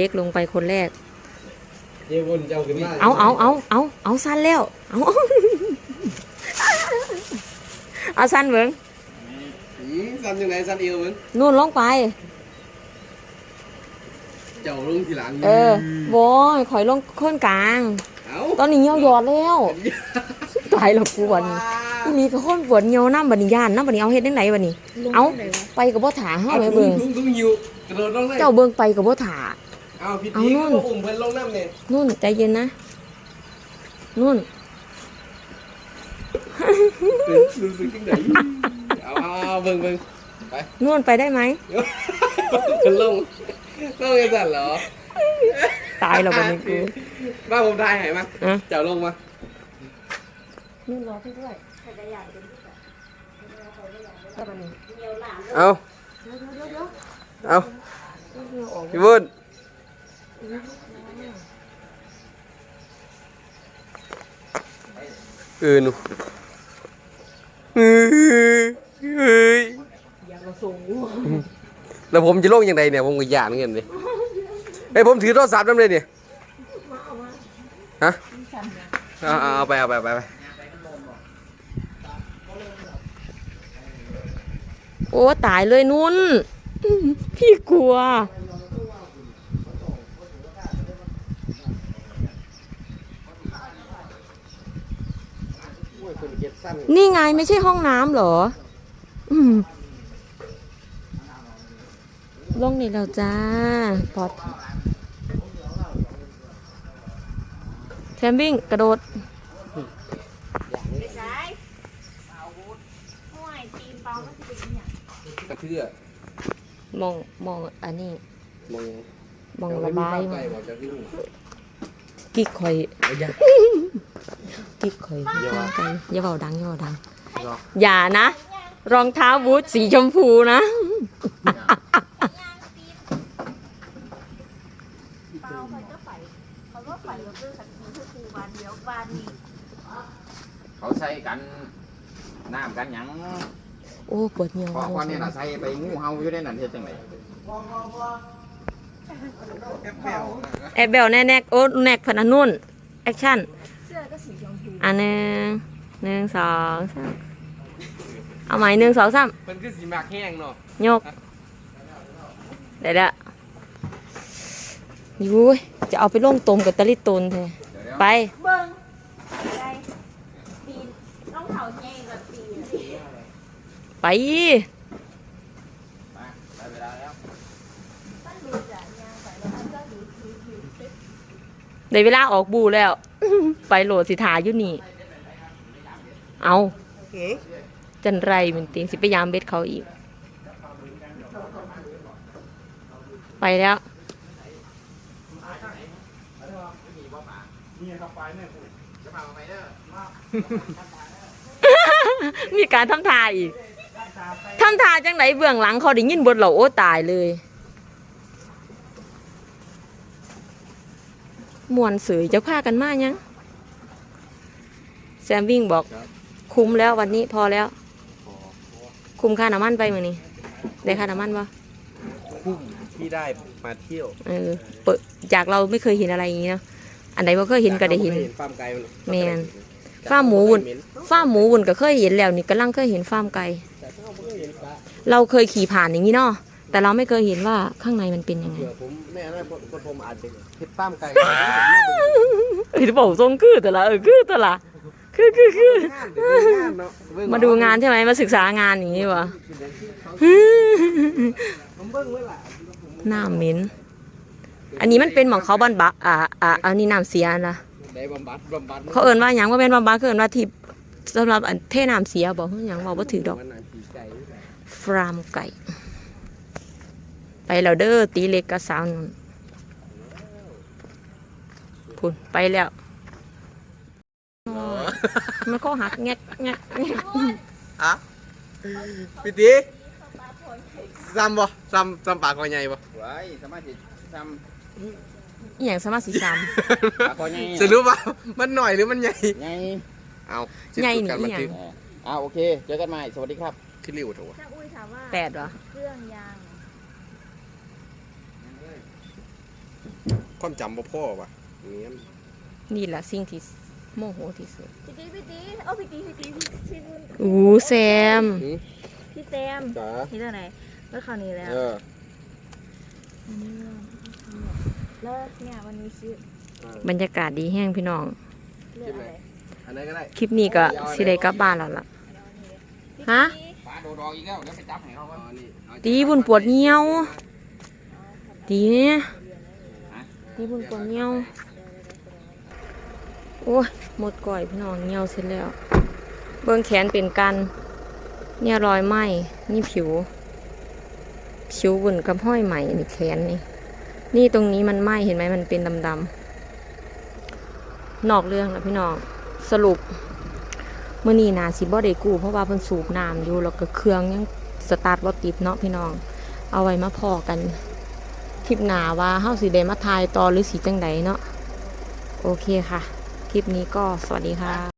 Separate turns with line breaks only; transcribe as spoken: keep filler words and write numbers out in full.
เด็กลงไปคนแรก
เจ้าวนเจ้าขึ้นมา
เอาเอาเอาเอาเอาสั้นแล้วเอาเอาสั้นเบิ้ง
สั้นยังไงสั้นเอวมึง
นู่นลงไป
เจ้าลงทีหลัง
เออบอยข่อยลงค้นกลางตอนนี้เหี่ยวหยอดแล้วตายแล้วปวดอีนี่ก็ค้นปวดเหี่ยวน้ำบัดนี้ย่านน้ำบัดนี้เอาเฮ็ดได้ไหนบัดนี้เอาไปกับบ่ถาเฮาแม่เบิ่งเจ้าเบิ่งไปกับบ่ถา
เอาพี่ตีก็อุ้มเพิ่นลงน้ำเนี่ย
นู่นใจเย็นนะนู่น
รู้สึกยังไงเอาเอาเบิ่งเบิ่งไป
นู่นไปได้ไหม
เพิ่นลงลงยังสั่นเหรอ
ตายแล้วบัดนี้กู
บ้าผมได้ไหนมาเจ้าลงมา
นู่นรอพี่ด้วย
เอาเอาพี่บุญเออหนูเฮ้ยเฮ้ย
อย่ามาสูง
แล้วผมจะลงยังไงเนี่ยผมก็หยาดเงินเลยไอ้ผมถือโทรศัพท์นั่นเลยเนี่ยฮะเอาเอาไปเอาไปไป
โอ้ตายเลยนุ่นพี่กลัวนี่ไงไม่ใช่ห้องน้ำเหรออืมลงนี่แล้วจ้าปลอดแคมปิ้งกระโดด
กระเทือ
มองมองอันนี้
มอง
มองระบายกิ๊กข่อยกิ๊กข่อยอย่าเบาดังอย่าเบาดังอย่านะรองเท้าบูทสีชมพูนะ
เขาใส่กันน้ำกันยัง
โอ้ปวดเหี่ยว
เพราะว่านี่น่ะใส่ไปงูเห่าอยู่ในนั้นเฮ็ดจังได๋
แอบเบลแน่แนกโอ้แนกพนันนุ่นแอคชั่นเสื้อก็สีชมพูอันหนึ่งหนึ่งสองสามเอาใหม่หนึ่งสองสาม
มันคือสีหมากแห้งเนาะ
ยกเดี๋ยวยูจะเอาไปล่งตมกับตะลิตนเถอะไปเบิ้งไปปีนน้องเขาใหญ่กว่าปีไปได้เวลาออกบูแล้วไปโหลดสิทาอยู่นี่เอาจันไรมันติงสิไปยามเบ็ดเขาอีกไปแล้วมีการทำทาอีกทำทาจังไหนเบื้องหลังเขาได้ยินบทเราโอ้ตายเลยมวนสื่อจะพากันมายังแซมวิ่งบอกคุ้มแล้ววันนี้พอแล้วคุ้มค่าน้ำมันไปมือนี้ได้ค่าน้ำมันปะ
คุ้มที่ได้มาเที่ยว
เออเปิดจากเราไม่เคยเห็นอะไรอย่างนี้เนาะอันไหนเราเคยเห็นก็ได้เห็น
ฟาร์มไก่
แมนฟาร์มหมูวุ่นฟาร์มหมูวุ่นก็เคยเห็นแล้วนี่กำลังเคยเห็นฟาร์มไก่เราเคยขี่ผ่านอย่างนี้เนาะแต่เราไม่เคยเห็นว่าข้างในมันเป็นยังไง
ผมแม่นะผมอาจจะเห็นฟาร์มไก่
เฮ้ยบอกทรงคือแต่ละเออคือแต่ละคือคือคือมาดูงานใช่ไหมมาศึกษางานอย่างนี้วะน้ำเหม็นอันนี้มันเป็นหมองเขาบำบัดอ่าอ่าอันนี้น้ำเสียนะเขาเอิ้นว่าอย่างว่าเป็นบำบัดเขาเอิ้นว่าทิพสำหรับอันเทน้ำเสียบอกอย่างบอกว่าถือดอกฟาร์มไก่ไปแล้วเด้อตีเล็กกับสาวนุ่นพุ่นไปแล้วมันก็หักแงกแงกแงก
อะพี่ตีซ้ำบ่ซ้ำซ้ำปากคอใหญ่บ่
ไว้สามารถสิซ้
ำอีหยังสามารถสิซ้
ำปากคอใหญ่
จะรู้ป่ะมันหน่อยหรือมันใหญ่
ใหญ่
เอา
ใหญ่หนิอีหยัง
อ่าโอเคเจอกันใหม่สวัสดีครับ
ขึ้นริ้วถูก
แปดเหรอ
เครื่องยาง
ความจำบ่พ่อว่ะเนี้ย
นี่แหละสิ่งที่โมโหที่สุด
พี่ตีพี่ตีเอาพี่ตีพี่ตีพี่พี่บุญ
อู้แซม
พี่แซม
จ๋า
นี่เรื่องไหนเมื่อคราวนี้แล้ว
เออ
อันนี้เรื่องแล้วเนี่ยวันนี้ชื่อบ
รรยากาศดีแห้งพี่น้อง
เรื่องอะไร
อันไหนก็ได้
คลิปนี้ก็สิได้กลับบ้านแล้วล่ะ ฮะ
ปลาโดดอกอีกแล้วเดี๋ยวไปจับให้เขาก่อน
ตีบุญปวดเหี่ยวตีเนี่ยตีบุญปวดเหี่ยวโอ้ยหมดก่อยพี่น้องเหี่ยวเสร็จแล้ว เบื้องแขนเป็นกันเนี่ยรอยไหมนี่ผิว ผิวบุญกับห้อยไหมนี่แขนนี่ นี่ตรงนี้มันไหมเห็นไหมมันเป็นดำๆนอกเรื่องแล้วพี่น้องสรุปเมื่อนี้นาสิบ่ได้กู้เพราะว่าเพิ่นสูบน้ำอยู่แล้วก็เครื่องยังสตาร์ทบ่ติดเนาะพี่น้อง เอาไว้มาพอกันคลิปหน้าว่าเฮาสิได้มาถ่ายต่อหรือสิจังใดเนาะโอเคค่ะ คลิปนี้ก็สวัสดีค่ะ